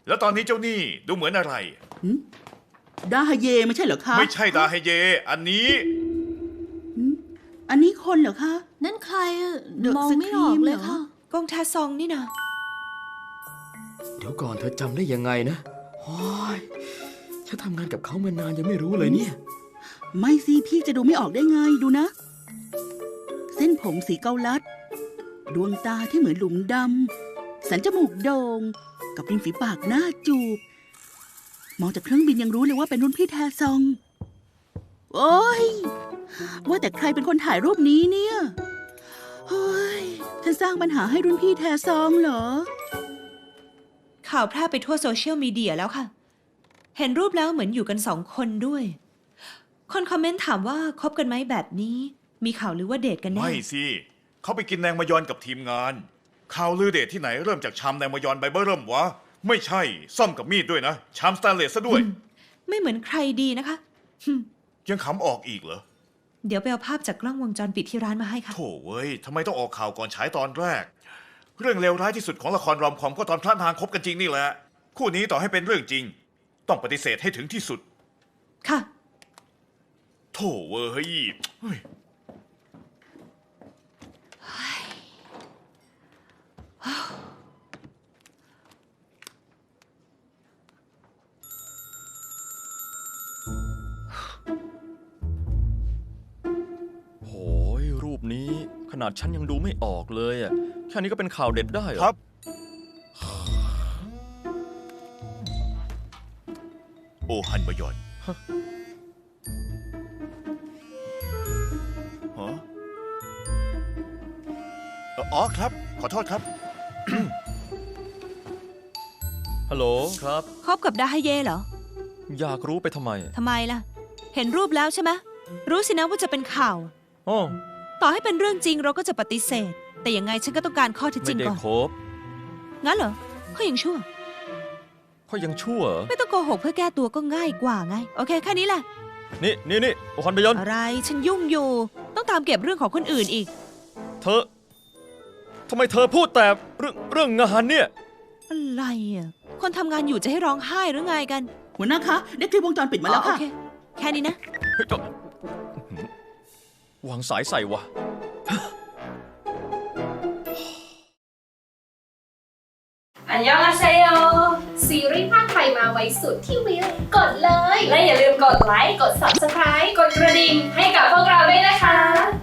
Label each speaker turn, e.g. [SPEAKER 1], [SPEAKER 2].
[SPEAKER 1] แล้วตอนนี้เจ้านี่ดูเหมือนอะไร
[SPEAKER 2] ดาฮาเยไม่ใช่เหรอคะ
[SPEAKER 1] ไม่ใช่ดาเฮเย อันนี้
[SPEAKER 2] อันนี้คนเหรอคะ
[SPEAKER 3] นั่นใครอะ
[SPEAKER 2] The
[SPEAKER 3] มองไม่ออกเลย
[SPEAKER 2] Scream เหรอ
[SPEAKER 3] ค่ะ
[SPEAKER 4] กงทาซองนี่นะ
[SPEAKER 5] เดี๋ยวก่อนเธอจำได้ยังไงนะโอ้ยฉันทำงานกับเขามานานยังไม่รู้เลยเนี่ย
[SPEAKER 2] ไม่สิพี่จะดูไม่ออกได้ไงดูนะ เส้นผมสีเกาลัด ดวงตาที่เหมือนหลุมดำสันจมูกโด่งกับริมฝีปากหน้าจูบ มองจากเครื่องบินยังรู้เลยว่าเป็นรุ่นพี่แทซอง โอ้ยว่าแต่ใครเป็นคนถ่ายรูปนี้เนี่ยเฮ้ยฉันสร้างปัญหาให้รุ่นพี่แทซองเหรอ
[SPEAKER 4] ข่าวแพร่ไปทั่วโซเชียลมีเดียแล้วค่ะ เห็นรูปแล้วเหมือนอยู่กัน2 คนด้วย คนคอมเมนต์ถามว่าคบกันไหมแบบนี้ มีข่าวหรือว่าเดทกันแน่
[SPEAKER 1] ไม่สิ เขาไปกินแนงมะยอนกับทีมงาน ข่าวลือเดทที่ไหนเริ่มจากชามแนงมะยอนใบเบ้อเริ่มวะ ไม่ใช่ซ่อมกับมีดด้วยนะ ชามสแตนเลสซะด้วย
[SPEAKER 4] ไม่เหมือนใครดีนะคะ
[SPEAKER 1] ยังขำออกอีกเหรอ
[SPEAKER 4] เดี๋ยวไปเอาภาพจากกล้องวงจรปิดที่ร้านมาให้ค่ะ
[SPEAKER 1] โถ่เว้ย ทำไมต้องออกข่าวก่อนฉายตอนแรก เรื่องเลวร้ายที่สุดของละครรอมคอมก็ตอนพระนางคบกันจริงนี่แหละ คู่นี้ต่อให้เป็นเรื่องจริง ต้องปฏิเสธให้ถึงที่สุด
[SPEAKER 4] ค่ะ
[SPEAKER 1] โถ่เว้ยเฮ้ย
[SPEAKER 6] โหยรูปนี้ขนาดฉันยังดูไม่ออกเลยอ่ะแค่นี้ก็เป็นข่าวเด็ดได้เหรอ
[SPEAKER 1] ครับ โอฮันบยอนฮะอ๋อครับ ขอโทษครับ
[SPEAKER 6] ฮัลโหลครับ
[SPEAKER 4] คบกับดาฮเยเหรอ
[SPEAKER 6] อยากรู้ไปทำไม
[SPEAKER 4] ทำไมล่ะ เห็นรูปแล้วใช่ไหมรู้สินะว่าจะเป็นข่าว
[SPEAKER 6] อ๋อ
[SPEAKER 4] ต่อให้เป็นเรื่องจริงเราก็จะปฏิเสธ แต่ยังไงฉันก็ต้องการข้อเท็จจ
[SPEAKER 6] ไม่
[SPEAKER 4] ริง
[SPEAKER 6] ได้
[SPEAKER 4] ก่อน
[SPEAKER 6] คบ
[SPEAKER 4] งั้นเหรอเขายังชั่ว
[SPEAKER 6] เขายังชั่วเหรอ
[SPEAKER 4] ไม่ต้องโกหกเพื่อแก้ตัวก็ง่ายกว่าไง โอเคแค่นี้แหละ
[SPEAKER 6] นี่โอฮันบยอน
[SPEAKER 4] อะไรฉันยุ่งอยู่ ต้องตามเก็บเรื่องของคนอื่นอีก
[SPEAKER 6] เธอทำไมเธอพูดแต่เรื่องงานเนี่ย
[SPEAKER 4] อะไรอ่ะ คนทำงานอยู่จะให้ร้องไห้หรือไงกัน
[SPEAKER 2] หัวหน้าคะได้คลิปวงจรปิดมาแล้ว
[SPEAKER 4] โอ
[SPEAKER 2] ค่ะ
[SPEAKER 4] เค แค่นี้นะ
[SPEAKER 6] เฮ้ยจะวางสายใส่วะ
[SPEAKER 7] อันยองอาเซโยซีรีส์ภาคไทยมาไว้สุดที่วิวกดเลย และอย่าลืมกดไลค์ กด Subscribe กดกระดิ่งให้กับพวกเราด้วยนะคะ